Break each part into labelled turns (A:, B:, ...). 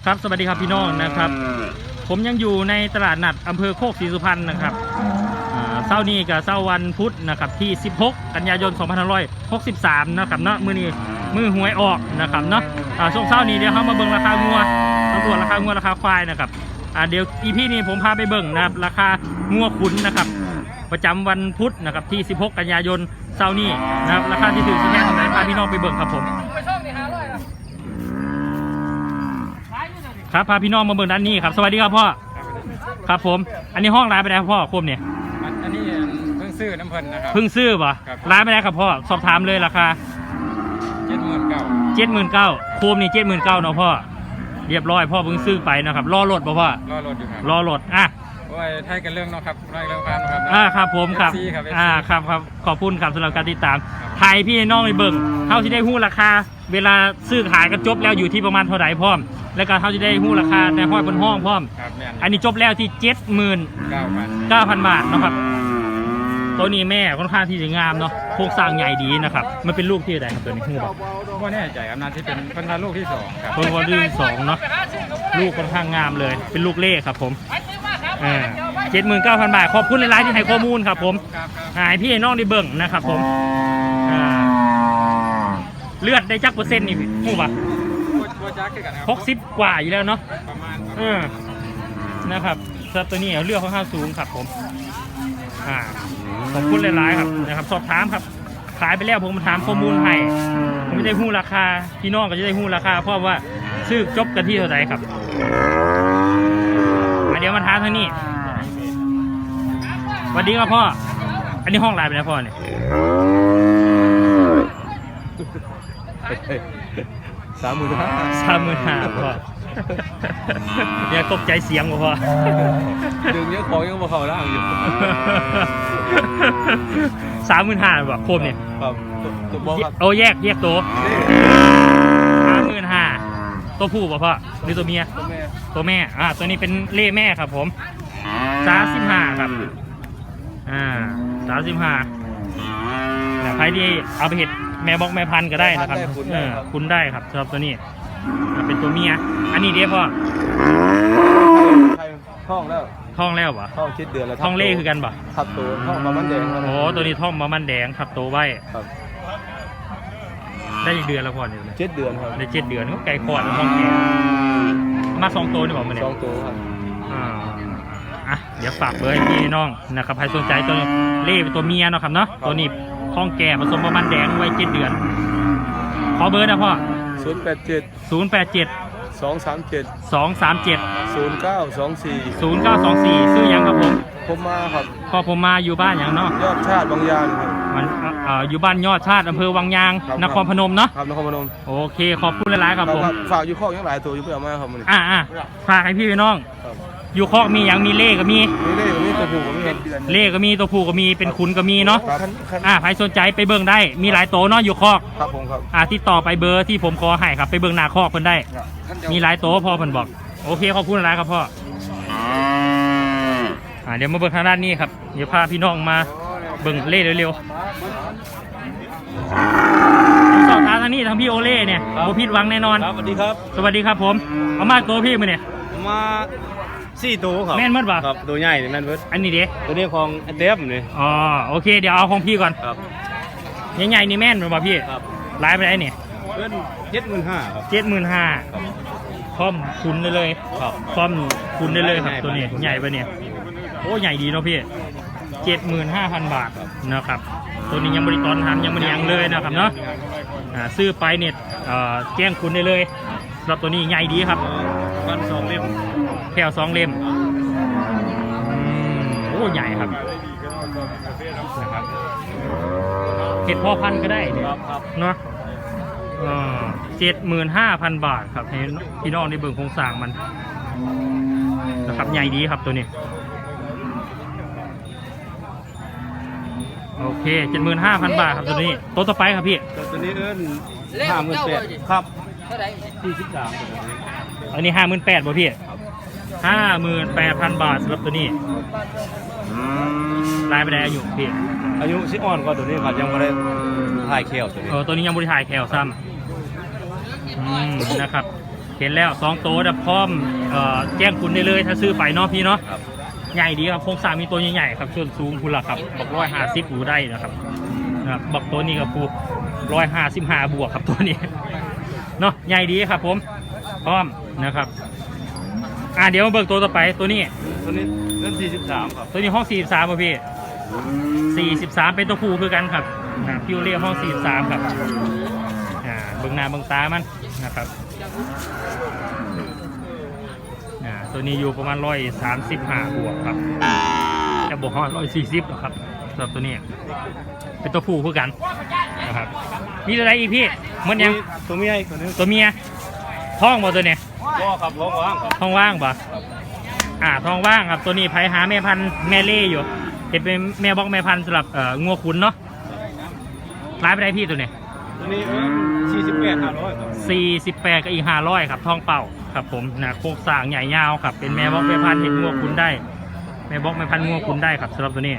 A: ครับสวัสดีครับพี่น้องนะครับผมยังอยู่ในตลาดนัดอำเภอโคกศรีสุพรรณนะครับเช้านี้กับเช้าวันพุธนะครับที่16กันยายน2563นะครับเนาะมือหวยออกนะครับเนาะช่วงเช้านี้เดี๋ยวเขามาเบิ่งราคางัวตำรวจราคางัวราคาควายนะครับเดี๋ยวEPนี้ผมพาไปเบิ่งนะครับราคางัวขุนนะครับประจำวันพุธนะครับที่16กันยายนเช้านี้นะครับราคาที่ถือสิแค่เท่าไหร่พาพี่น้องไปเบิ่งครับผมครับพาพี่น้องมาเบิ่งด้านนี้ครับสวัสดีครับพ่อครับผมอันนี้ห้องร้านไปไหนครับพ่อคมเนี่ย
B: อันนี้เพิ่งซื้อน้ำเพลินนะครับ
A: เพิ่งซื้อป่ะร้านไปไหนครับพ่อสอบถามเลยราคา79,000โคมนี่79,000เนาะพ่อเรียบร้อยพ่อเพิ่งซื้อไปนะครับรอรถป่ะพ่อ
B: รอรถอยู่ครับ
A: รอรถ
B: โอ้ยไทยกันเรื่องเนาะครับไทยเรื่องการครับ
A: ครับผมครับครับขอบคุณครับสำหรับการติดตามไทยพี่น้องในเบิ่งเท่าที่ได้หู้ราคาเวลาซื้อขายกันจบแล้วอยู่ที่ประมาณเท่าไหร่พ่อมแล้วก็เท่าที่ได้หู้ราคาในห้อยบนห้องพ่อมอันนี้จบแล้วที่79,000 บาทนะครับตัวนี้แม่ค่อนข้างที่จะงามเนาะโครงสร้างใหญ่ดีนะครับมันเป็นลูกที่ไหนครับตัวนี้หู้บอก
B: ว่าแน่ใจครับน่าจะเป็นพันธุ์ลูกที่2ครับ
A: เป็นลูกที่2เนาะลูกค่อนข้างงามเลยเป็นลูกเล่ครับผม79,000 บาทขอบคุณในไลน์ที่ให้ข้อมูลครับผมให้พี่น้องได้เบิ่งนะครับผมเลือดได้จักเปอร์เซ็นต์นี่หู้ป่ะ60 กว่าอยู่แล้วเนาะ
B: ประมาณ
A: นะครับตัวนี้เลือดค่อนข้างสูงครับผมขอบคุณหลายๆครับนะครับสอบถามครับขายไปแล้วผมมาถามข้อมูลให้ผมไม่ได้หู้ราคาพี่น้องก็จะได้หู้ราคาเพราะว่าซื้อจบกันที่เท่าไหร่ครับเดี๋ยวมาถามทางนี้สวัสดีครับพ่ออันนี้ห้องไลน์ไปแล้วพ่อเนี่ย35,000พ่อเนี่ยตกใจเสียงพ่อ
B: ดึงเยอะของยังมาเข้าร่างอยู่
A: 35,000แบบโคมเนี่ย
B: ครับ
A: โอ้แยกตัว35,000ตัวผู้ป่ะพ่อหรือตัวเมียตัวแม่ตัวนี้เป็นเล่แม่ครับผม35ครับ35ใครที่เอาไปเห็ดแม่บอกแม่พันธุ์ก็ได้นะครับคุณได้ครับสำหรับตัวนี้เป็นตัวเมียอันนี้เดี๋ยวพ่อ
B: ท้องแล้ว
A: ป่ะ
B: ท้อง7 เดือนแล้ว
A: ท้องเล่คือกันป่ะ
B: ทับตัวท้องมามันแดง
A: โอ้ตัวนี้ท้องมามันแดงทับตัวไว้ได้อีกเดือนแล้วพ่อเนี่ย
B: 7 เดือนครับ
A: ได้7 เดือนก็ไก่ขอดท้องแก่มา2 ตัวนี่บอกมาเนี่ย
B: 2 ตัวครับ
A: เดี๋ยวฝากเบอร์ให้พี่น้องนะครับใครสนใจตัวเล่เป็นตัวเมียเนาะครับเนาะตัวนี้ท้องแก่ผสมประมาณแดงไว้7 เดือนขอเบอร์นะพ่อ087 237 0924ซื้อยังครับ
B: ผมมาครับ
A: พ่อผมมาอยู่บ้านอย่างเนาะ
B: ยอดชาติบางยางครับ
A: มันอยู่บ้านยอดชาติอำเภอวังยางนครพนมเนาะ
B: ครับนครพนม
A: โอเคขอบคุณหลายๆครับผม
B: ฝากอยู่คอกยังหลายตัวอยู่เพื่อมาครับมัน
A: ฝากให้พี่น้องอยู่คอกมีอย่างมีเล่ก็มี
B: ตัวผู้ก็มี
A: เล่ก็มีตัวผู้ก็มีเป็นขุนก็มีเนาะใครสนใจไปเบิ่งได้มีหลายโตเนาะอยู่คอก
B: ครับผมครับ
A: ติดต่อไปเบอร์ที่ผมขอให้ครับไปเบิ่งหน้าคอกเพิ่นได้มีหลายโตพ่อเพิ่นบอกโอเคขอบคุณหลายครับพ่อเดี๋ยวมาเบิ่งทางด้านนี้ครับเดี๋ยวพาพี่น้องมาเบิ่งเล่เร็วๆสอบถามทางนี้ทางพี่โอเล่เนี่ยโบผิดหวังแน่นอน
B: สวัสดีครับ
A: สวัสดีครับผมเอามาตัวพี่มาเนี่ย
B: มา4 ตัวครับ
A: แม่นมดป่ะ
B: ครับตัวใหญ่แม่นมด
A: อันนี้เด้
B: ตัวนี้ของเต็มเลย
A: โอเคเดี๋ยวเอาของพี่ก่อน
B: ครับ
A: ใหญ่ๆนี่แม่นป่ะพี่
B: ครับ
A: ไลฟ์ไปได้เนี่ย
B: เป็น75,000ครับ
A: 75,000พร้อมคุณได้เลย
B: ครับ
A: พร้อมคุณได้เลยครับตัวนี้ใหญ่ป่ะเนี่ยโอ้ใหญ่ดีเนาะพี่75,000 บาทนะครับตัวนี้ยังบริตอนทำยังไม่ได้ยังเลยนะครับเนาะซื้อไปเนี่ยแจ้งคุณได้เลยสำหรับตัวนี้ใหญ่ดีครับ
B: วัน2 เล่ม
A: แค่2 เล่มโอ้ใหญ่ครับนะครับเห็ดพ่อพันธุ์ก็ได้เนี่ยเนาะ75,000 บาทครับให้พี่น้องได้เบิ่งโครงสร้างมันนะครับใหญ่ดีครับตัวนี้โอเค75,000 บาทครับตัวนี้ตัวต่อไปครับพี่
B: ตัวนี้58,000ครับ43
A: อันนี้58,000บ่พี่58,000 บาทสำหรับตัวนี้รายไปได้อายุพี่
B: อายุ10 อ่อนกว่าตัวนี้ครับยังไม่ได้ถ่ายแคลตัวนี้
A: ตัวนี้ยังไม่ได้ถ่ายแคลซ้ำนะครับเห็นแล้ว2โตวพร้อมแจ้งคุณได้เลยถ้าซื้อไปเนาะพี่เนาะ
B: ครับ
A: ใหญ่ดีครับโครงสร้างมีตัวใหญ่ๆครับส่วนสูงคุณล่ะครับบัก150อยู่ได้นะครับบักตัวนี้กับปู155บวกครับตัวนี้เนาะใหญ่ดีครับผมพร้อมนะครับเดี๋ยวมาเบิกตัวต่อไปตัวนี้
B: ตัวนี้เล่น43ครับ
A: ตัวนี้ห้อง43ป่ะพี่43เป็นตัวผู้คือกันครับพิวเรียห้อง43ครับเบิ่งหน้าเบิ่งตามันนะครับตัวนี้อยู่ประมาณ135บวกครับจะบวกห้อง140หรอครับสำหรับตัวนี้เป็นตัวผู้คือกันนะครับมีอะไรอีกพี่มันยัง
B: ตัวเมียอีกตัวนึง
A: ตัวเมียท้องบ่ตัวเนี้ย
B: ก็ครับท้องว่างครับ
A: ท้องว่างบ่ท้องว่างครับตัวนี้ไผหาแม่พันธุ์แม่เล่อยู่เห็นเป็นแม่บอกแม่พันธุ์สำหรับงัวขุนเนาะร้ายไปได้พี่ตัวเนี้ย
B: ตัวนี้48 500ครับ
A: 48กับอีก500ครับท้องเป่าครับผมโครงสร้างใหญ่ยาวครับเป็นแม่บอกแม่พันธุ์เห็นงัวขุนได้แม่บอกแม่พันธุ์งัวขุนได้ครับสำหรับตัวนี้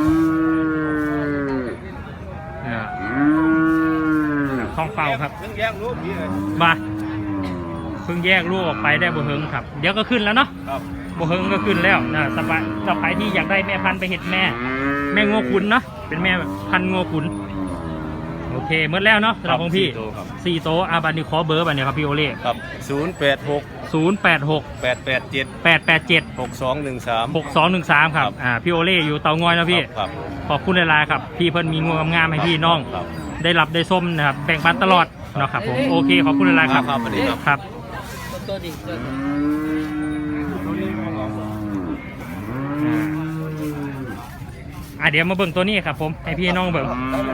A: ท้องเป่าครับ
B: เพิ่งแยกลูกพี่เลย
A: มาเพิ่งแยกลูกออกไปได้บ่เฮิงครับเดี๋ยวก็ขึ้นแล้วเนาะ
B: ครับ
A: บ่เฮิงก็ขึ้นแล้วสบายต่อไปที่อยากได้แม่พันธุ์ไปเห็ดแม่งัวขุนเนาะเป็นแม่พันธุ์งัวขุนโอเคหมดแล้วเนาะสำหรับของพี่4โตบันนี้ขอเบอร์บันนี้ครับพี่โอเล่
B: ครับ086
A: 086
B: 887
A: 887
B: 6213
A: 6213ครับพี่โอเล่อยู่เตางอยนะพี่
B: ครับ
A: ขอบคุณหลายๆครับพี่เพิ่นมีงัวงามๆให้พี่น้อง
B: ครับ
A: ได้รับได้ส้มนะครับแบ่งปันตลอดเนาะครับผมโอเคขอบคุณหลายๆครับ
B: ครับสวัสดีครับ
A: ครับ
C: ตัวดิ
A: เดี๋ยวมาเบิ่งตัวนี้ครับผมให้พี่น้องเบิ่ง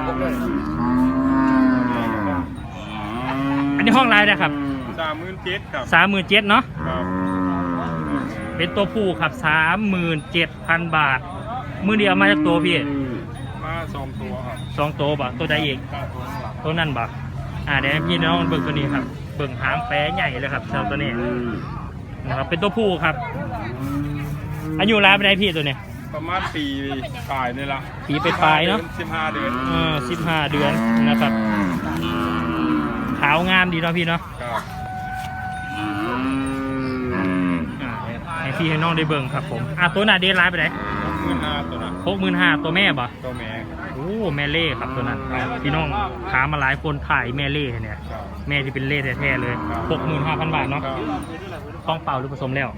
A: อันนี้ห้องไลน์นะครับ
B: 37,000ครับ
A: 37,000เนาะ
B: ครับ
A: เป็นตัวผู้ครับ 37,000 บาทมือเดียวมาจากตัวพี่
B: มา2ตัวครับ
A: 2ตัวบ่ตัวใดอีกตัวนั่นบ่เดี๋ยวให้พี่น้องเบิ่งตัวนี้ครับเบิ่งหางแปรใหญ่เลยครับสำหรับตัวนี้นะครับเป็นตัวผู้ครับอายุรายไปไหนพี่ตัวนี้
B: ประมาณปีปลายนี่ละ
A: ปีไปปลายเนาะ
B: 15 เดือน
A: 15 เดือนนะครับขาวงามดีเนาะพี่เนาะ
B: ครับ
A: ให้พี่ให้น้องได้เบิ่งครับผมตัวหน้าเดนไลน์ไปไหน
B: 65ตัวนะ
A: 65,000ตัวแม่บ่
B: ตัวแม่
A: โอ้แม่เล่ครับตัวนั้นพี่น้องถามมาหลายคนถ่ายแม่เล่เนี่ย
B: ครับ
A: แม่ที่เป็นเล่แท้ๆเลย 65,000 บาทเนาะ
B: ครับ
A: ต้องเป่าหรือผสมแล้ว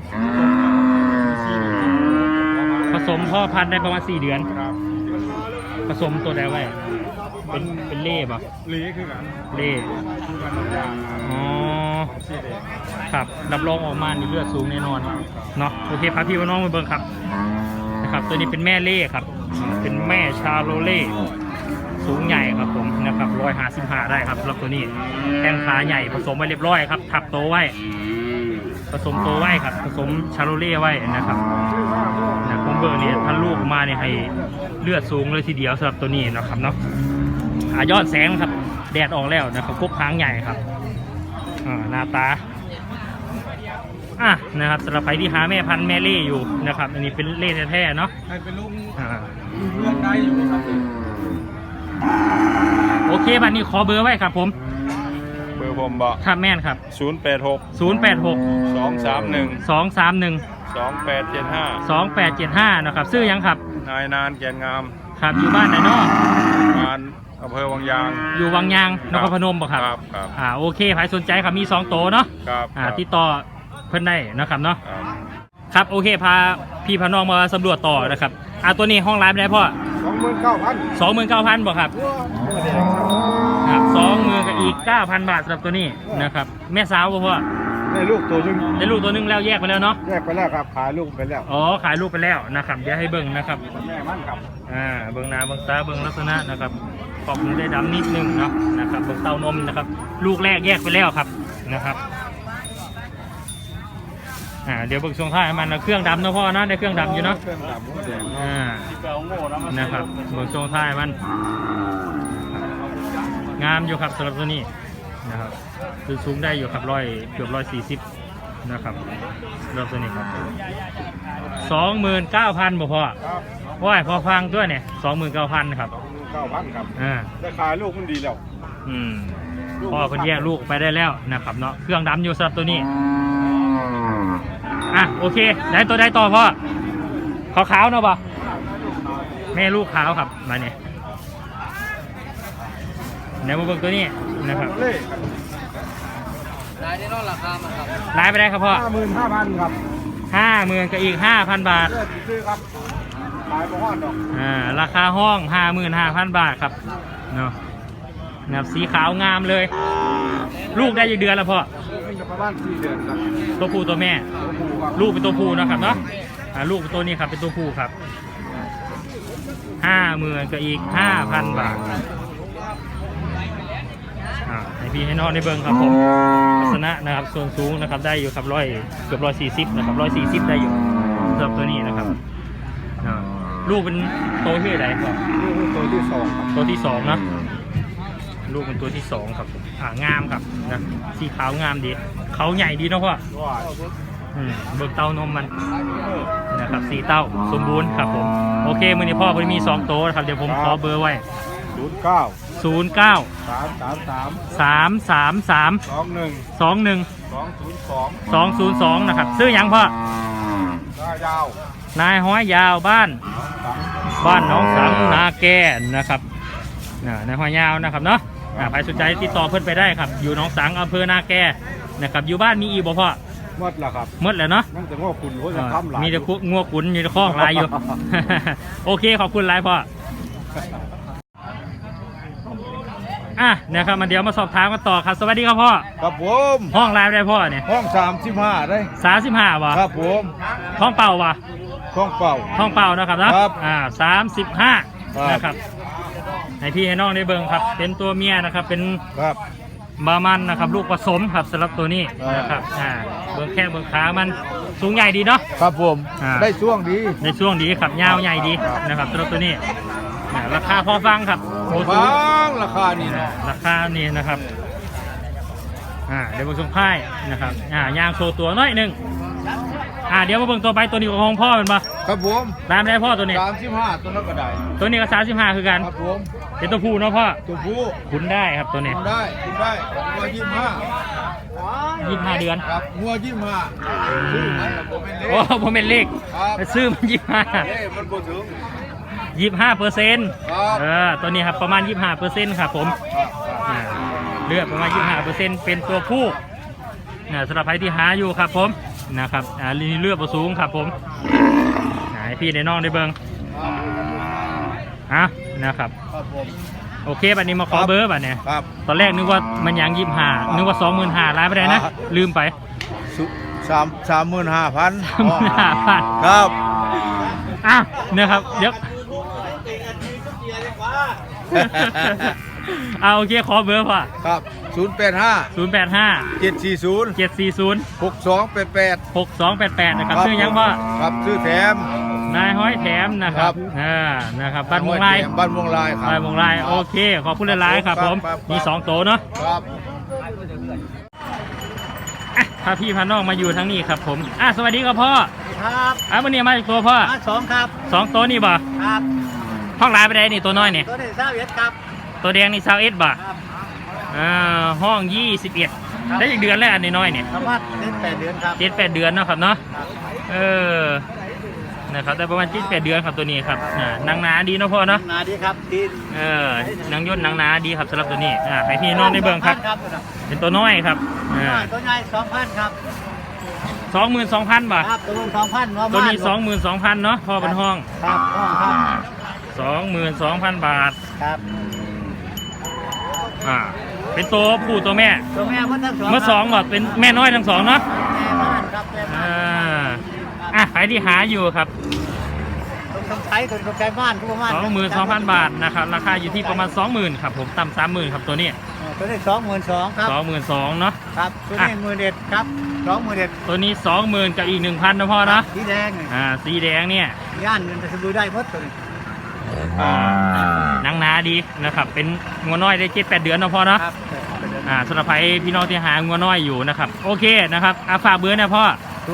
A: ผสมพ่อพันธุ์ได้ประมาณ4 เดือน
B: ครับ
A: ผสมตัวใดไว้เป็นเล่ป่ะ
B: ลีคือกัน
A: เล่
B: คือกันอย่าง
A: อ๋อ
B: สีแดง
A: ครับรับรองออกมานี่เลือดสูงแน่นอนเนาะโอเคพาพี่ว่าน้องมาเบิ่งครับนะครับตัวนี้เป็นแม่เล่ครับเป็นแม่ชาโลเล่สูงใหญ่ครับผมนะครับ155ได้ครับสำหรับตัวนี้แข้งขาใหญ่ผสมไว้เรียบร้อยครับทับโตไว้ผสมโตไว้ครับผสมชาโลเล่ไว้นะครับนะผมเบอร์นี้ถ้าลูกมาเนี่ยให้เลือดสูงเลยทีเดียวสำหรับตัวนี้นะครับเนาะยอดแสงครับแดดออกแล้วนะครับกบหางใหญ่ครับหน้าตานะครับสำหรับใครที่หาแม่พันธุ์แม่เล่อยู่นะครับอันนี้เป็นเล่แท้ๆเนาะ
B: ให้เป็นลูกเลือกได้อยู่ครับ
A: โอเคบัดนี้ขอเบอร์ไว้ครับผม
B: เบอร์ผมบอก
A: ครับแม่นครับ
B: 086
A: 086
B: 231
A: 231
B: 2875
A: 2875นะครับซื้อยังครับ
B: นายนานแกนงาม
A: ครับอยู่บ้านไหนเนาะ
B: งานอำเภอวังยาง
A: อยู่วังยางนครพนมบ่ครับ
B: ครับ
A: โอเคใครสนใจครับมี2โตเนาะ
B: ครับ
A: ติดต่อเพิ่นได้นะครับเนาะ
B: ครับ
A: ครับโอเคพาพี่พาน้องมาสำรวจต่อนะครับตัวนี้ห้องร้านไปได้พ่อ 29,000บ่ครับครับ20,000กับอีก 9,000 บาทสำหรับตัวนี้นะครับแม่สาวบ่พ่อ
B: ได้ลูกตัวนึง
A: ได้ลูกตัวนึงแล้วแยกไปแล้วเนาะ
B: แยกไปแล้วครับขายลูกไปแล้ว
A: ขายลูกไปแล้วนะครับเดี๋ยวให้เบิ่งนะครับ
B: แม่มันครับ
A: เบิ่งหน้าเบิ่งตาเบิ่งลักษณะนะครับขอบได้ดำนิดนึงเนาะนะครับเบิ่งเต้านมนะครับลูกแรกแยกไปแล้วครับนะครับเดี๋ยวเบิ่งช่วงท้ายมันเครื่องดำเนาะพ่อเนาะได้เครื่องดำอยู่เนาะ
B: เครื่องดำหัวแดง
A: ที่เก่าโง่นะครับเบิ่งช่วงท้ายมันงามอยู่ครับสำหรับตัวนี้นะครับคือสูงได้อยู่ครับเกือบ140นะครับสำหรับตัวนี้ครับ29,000บ่พ่อ
B: ครับ
A: ว้ายพอฟังด้วยเนี่ย29,000ครับ
B: 9,000ครับ
A: อ่า
B: ได้ขายลูกมันดีแล้ว
A: อืมพ่อเพิ่นแยกลูกไปได้แล้วนะครับเนาะเครื่องดำอยู่สำหรับตัวนี้อ่ะโอเคได้ตัวได้ต่อพ่อขาวๆเนาะป่ะแม่ลูกขาวครับมาเนี่ยเดี๋ยวมาเบิ่งตัวนี้นะครับ
B: เล่
C: รายได้นอกราคามันครับ
A: รายไปได้ครับพ่อ
B: 55,000ครับ
A: 50,000กับอีก 5,000 บาท
B: เลือดซื้อครับขายประมาณดอก
A: ราคาห้อง 55,000 บาทครับเนาะนะครับสีขาวงามเลย ลูกได้กี่เดือนแล้วพ่อ
B: นี่จะประมาณ4เดือนครับ
A: ตัวผู้ตัวแม่
B: ตัวผู้ครับ
A: ลูกเป็นตัวผู้นะครับเนาะลูกเป็นตัวนี้ครับเป็นตัวผู้ครับ 50,000กับอีก 5,000 บาทให้พี่ให้น้องได้เบิ่งครับผมลักษณะนะครับส่วนสูงนะครับได้อยู่ครับเกือบ140นะครับ140ได้อยู่สำหรับตัวนี้นะครับลูกเป็นโตที่ไหนครับ
B: นี่ตัวที่2ครับ
A: ตัวที่สองนะลูกเป็นตัวที่สองครับงามครับนะสีขาวงามดีเขาใหญ่ดีเนาะพ่อ
B: ว่า
A: เบิกเต้านมมันนะครับสีเต้าสมบูรณ์ครับผมโอเคมือนี้พ่อพอดีมี2โตวนะครับเดี๋ยวผมขอเบอร์ไว้
B: 09
A: 09
B: 333
A: 333
B: 21
A: 21
B: 202
A: 202นะครับซื้อหยังพ่อ
B: ได้ยาวน
A: ายห้อยยาวบ้านน้องสังนาแก่นะครับนายห้อยยาวนะครับเนาะใครสนใจติดต่อเพื่อนไปได้ครับอยู่หนองสังอำเภอนาแก่นะครับอยู่บ้านมีอีบ่พ่อ
B: หมดแล้วครับ
A: หมดแล้วเนาะ
B: นั่นแต่ว่าคุณเขาจะทำหลาย
A: มีแต่งัวขุนมีแต่คอกลายอยู่ โอเคขอบคุณหลายพ่อนะครับมาเดี๋ยวมาสอบถามกันต่อครับสวัสดีครับพ่อ
B: ครับผม
A: ห้องลายได้พ่อเนี่ย
B: ห้อง35ได้
A: 35วะ
B: ครับผม
A: ห้องเป่าวะ
B: ห้องเป่า
A: ห้องเป่านะครับนะครับ 35นะครับให้พี่ให้น้องได้เบิ่งครับเป็นตัวเมียนะครับเป็น
B: ครับ
A: บามันนะครับลูกผสมครับสำหรับตัวนี้นะครับเบิ่งแข้งเบิ่งขามันสูงใหญ่ดีเนาะ
B: ครับผม ได้ช่วงดี
A: ในช่วงดีครับยาวใหญ่ดีนะครับสำหรับตัวนี้ราคาพอฟังครับโอ้โห
B: บางราคานี่นะ
A: ราคานี่นะครับเดี๋ยวมาส่งค่ายนะครับยางโชว์ตัวน้อยหนึ่งเดี๋ยวมาเบิ่งตัวไปตัวนี้ของพ่อเป็นปะ
B: ครับผม
A: ตามได้พ่อตัวนี้
B: 35ตัวนั้นก็ได้
A: ตัวนี้ก็35คือกัน
B: ครับผม
A: เป็นตัวผู้เนาะพ่อ
B: ตัวผู้
A: ขุนได้ครับตัวนี้
B: คุณได้งัว
A: 25 เดือน
B: ครับงัว25ซื้อมันแล้วผมเป็นเล็ก
A: โอ้ผมเป็นเลข
B: ครับ
A: ซื้อมัน
B: เอ้มันบ่ถึง
A: 25%
B: ครับ
A: ตัวนี้ครับประมาณ 25%ครับผมเลือดประมาณ 25%เป็นตัวผู้สำหรับใครที่หาอยู่ครับผมนะครับเลือดสูงครับผมให้พี่ในน้องได้เบิ่งนะครับ
B: ครับผม
A: โอเคบัดนี้มาขอเบอร์บัดเนี่ย
B: ครับ
A: ตอนแรกนึกว่ามันยัง25นึกว่า 25,000ล้านไปได้นะลืมไป
B: 35,000
A: 35,000
B: ครับ
A: นะครับเดี๋ยว โอเคขอเบอร์พ่อ
B: ครับ085
A: 085
B: 740
A: 740
B: 6288
A: 6288นะครับชื่อยังพ่อ
B: ครับชื่อแถม
A: นายห้อยแถมนะครับนะครับบ้านมงลาย
B: บ้านมงลายครับ
A: บ้านมงลายโอเคขอบคุณหลายๆครับผม
B: ครับ
A: มี2โตเนาะ
B: ครับ
A: พาพี่พาน้องมาอยู่ทั้งนี้ครับผมสวัสดีครับพ่อ
C: ครับ
A: วันนี้มาจากตัวพ่อ
C: 2ครับ
A: 2โตนี่บ่
C: ครับ
A: ห้องลายไปได้นี่ตัวน้อยนี่
C: ตัวนี้21ครับ
A: ตัวแดงนี่21บ่
C: ครับ
A: ห้อง21ได้อีกเดือนแล้วอันนี้น้อยเนี่ย
C: ประมาณ8เดือนครับ
A: 7-8 เดือนเนาะครับเนาะนะครับได้ประมาณ7-8 เดือนครับตัวนี้ครับนางหนาดีเนาะพ่อเนาะ
C: นาดีครับทีน
A: นางย่นนางหนาดีครับสำหรับตัวนี้ให้พี่น้องได้เบิ่งครับ เป็นตัวน้อยครับ
C: ตัวใหญ่2,000ครับ
A: 22,000 บาท
C: ครับตัว2,000
A: ตัวนี้ 22,000เนาะพ่อเป็นห้อง
C: ครับครับ
A: 22,000 บาท
C: ครับ
A: เป็นตัวผู้ตัวแม่
C: ตัวแม่มันทั้งสอง
A: เมื่อ2บ่เป็นแม่น้อยทั้งสองเนาะ
C: แม่บ้านครับแม่บ้าน
A: ใครที่หาอยู่ครับ
C: ต้องใช้คนต้องใช้บ้านทุกบ้าน
A: 22,000 บาทนะครับราคาอยู่ที่ประมาณ 20,000ครับผมต่ำ30,000ครับตัวนี้
C: ตัวนี้22,000ครับ
A: 22,000เนาะ
C: ครับตัวนี้11,000ครับ20,000
A: ตัวนี้ 20,000กับอีก 1,000นะพ่อนะ
C: สีแดง
A: สีแดงเนี่ย
C: ย่านเงินจะซื้อได้หมดตัวนี้
A: นางนาดีนะครับเป็นงัวน้อยได้7-8 เดือนนะพ่อนะ
C: ครับ
A: สำหรับใครพี่น้องที่หางัวน้อยอยู่นะครับโอเคนะครับฝากเบอร์นะพ่อ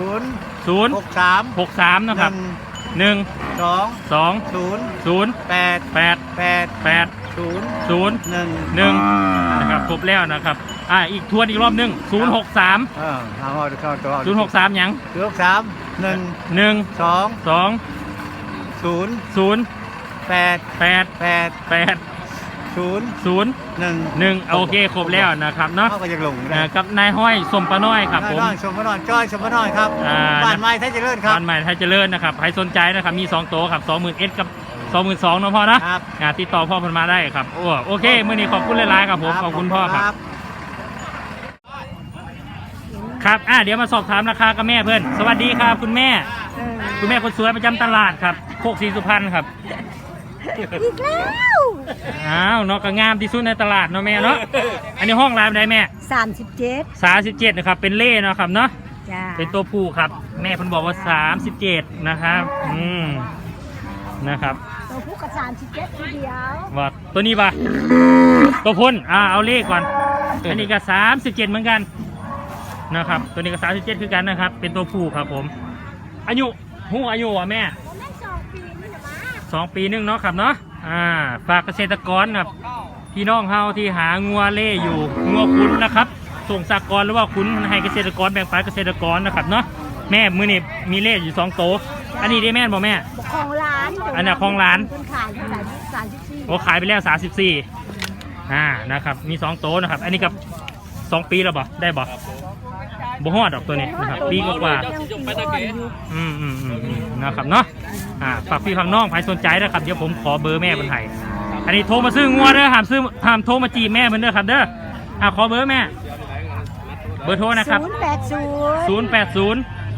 A: 063 นะครับ 1 2 0
C: 0 8
A: 8 8 0 1นะครับครบแล้วนะครับอีกทวนอีกรอบหนึง063
B: ทางเข้าตัว
A: 063หยัง
B: 063
A: 1
B: 1
A: 2
B: 2
A: 0
B: 8
A: 8
B: 8
A: 8
B: 0
A: 0
B: 1
A: 1โอเคครบแล้วนะครับเนาะ
B: เข้าก็ยังหลงได้
A: กับนายห้อยสมปะน้อยครับผม
B: น้อยชมพระนอนจ้อยชมพระนอนครับบ้านไม้ไทยเจริญครับ
A: บ้านใหม่ไทยเจริญนะครับใครสนใจนะครับมี2โต๊ะครับ20,000 กับ 22,000เนาะพ่อนะครับ ติดต่อพ่อเพิ่นมาได้ครับโอเคมื้อนี้ขอบคุณหลายๆครับผมขอบคุณพ่อครับครับเดี๋ยวมาสอบถามราคากับแม่เพื่อนสวัสดีครับคุณแม่คนสวยประจำตลาดครับโคกศรีสุพรรณครับ
D: อีกแล้ว
A: เนาะก็งามที่สุดในตลาดเนาะแม่เนาะอันนี้ห้องรายได้แม่
D: 37
A: 37นะครับเป็นเล่เนาะครับเนาะ
D: จ้า
A: เป็นตัวผู้ครับแม่เพิ่นบอกว่า37นะครับนะครับ
D: ตัวผู้กับ37ทีเดียว
A: ว่าตัวนี้ปะตัวพ่นเอาเลขก่อนอันนี้ก็37เหมือนกันนะครับตัวนี้ก็37คือกันนะครับเป็นตัวผู้ครับผมอายุอ่ะแม่
D: ผมได้2 ปีนี่นะมา
A: 2 ปีนึงเนาะครับเนาะฝากเกษตรกรครับพี่น้องเฮาที่หางัวเล่อยู่งัวคุ้นนะครับส่งสากรหรือว่าคุ้นให้เกษตรกรแบ่งปันเกษตรกรนะครับเนาะแม่มื้อนี้มีเล่อยู่2โตอันนี้ได้แม่นบ่แม่
D: ของร้าน
A: อันนี้ของร้าน
D: คนขายที่34
A: โอ้ขายไปแล้ว34นะครับมี2โตนะครับอันนี้กับ2 ปีแล้วบ่ได้บ่บ่ฮอดดอกตัวนี้นะครับปีกว่า นะครับเนาะฝากพี่ฝากน้องใครสนใจนะครับเดี๋ยวผมขอเบอร์แม่บนไห้อันนี้โทรมาซื้องัวเด้อห้ามโทรมาจีบแม่เหมือนเด้อครับเด้อขอเบอร์แม่เบอร์โทรนะครับ080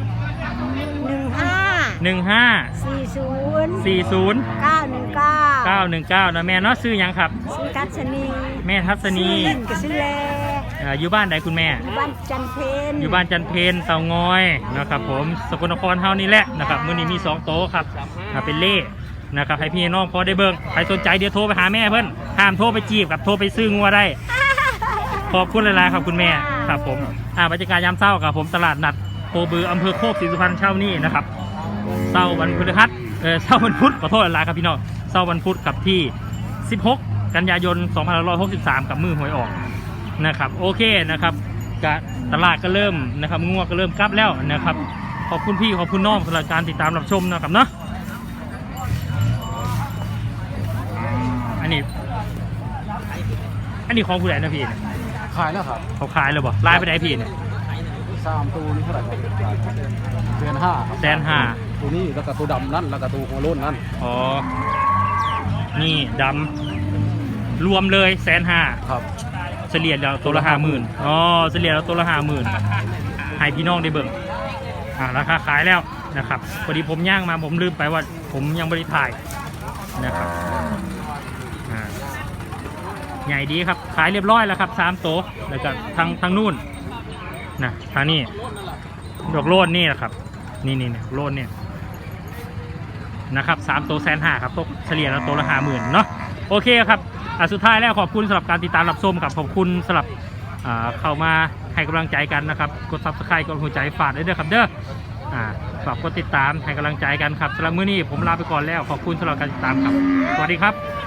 D: 15
A: 40
D: 919
A: นะแม่เนาะซื้อยังครับ
D: ชื่อทัศนี
A: แม่ทัศนี
D: ชื่อเล่นกับชื่อแล
A: อยู่บ้านไหนคุณแม่
D: บ้านจันเพน
A: อยู่บ้านจันเพนเตางอยนะครับผมสกลนครเฮานี่แหละนะครับมื้อนี้มี2โต๊ะครับเป็นเล่นะครับให้พี่น้องพอได้เบิ่งใครสนใจเดี๋ยวโทรไปหาแม่เพิ่นห้ามโทรไปจีบกับโทรไปซื้องัวได้ขอบคุณหลายๆครับคุณแม่ครับผมบรรยากาศยามเช้าครับผมตลาดนัดโพบืออำเภอโคกศรีสุพรรณเช้านี้นะครับเช้าวันพฤหัสเช้าวันพุธขอโทษหลายๆครับพี่น้องเช้าวันพุธกับที่16กันยายน2563กับมือหวยออกนะครับโอเคนะครับตลาดก็เริ่มนะครับงัวก็เริ่มกลับแล้วนะครับขอบคุณพี่ขอบคุณน้องสำหรับการติดตามรับชมนะครับเนาะอันนี้ของผู้ใดนะพี่
B: ขายแล้วครับ
A: เขาขายเลยบ่ไล่ไปได้พี่เนี่ย
B: 3ตัวนี้เท่าไหร่1,500,000
A: 150,000
B: ตัวนี้แล้วก็ตัวดำนั่นแล้วก็ตัวหัวโล้นนั่น
A: อ๋อนี่ดำรวมเลย150,000
B: ครับ
A: เฉลี่ยแล้วตัวละ50,000อ๋อเฉลี่ยแล้วตัวละ50,000ให้พี่น้องได้เบิ่งราคาขายแล้วนะครับพอดีผมย่างมาผมลืมไปว่าผมยังไม่ได้ถ่ายนะครับใหญ่ดีครับขายเรียบร้อยแล้วครับ3โต๊ะแล้วก็ทางนู่นนะทางนี้ดอกโลนนี่แหละครับนี่โลนเนี่ยนะครับ3โต๊ะ150,000ครับตกเฉลี่ยแล้วตัวละ50,000เนาะโอเคครับสุดท้ายแล้วขอบคุณสำหรับการติดตามรับชมกับขอบคุณสำหรับเข้ามาให้กำลังใจกันนะครับกด Subscribe กดหัวใจฝากได้ด้วยครับเด้อฝากกดติดตามให้กำลังใจกันครับสำหรับมื้อนี้ผมลาไปก่อนแล้วขอบคุณสำหรับการติดตามครับสวัสดีครับ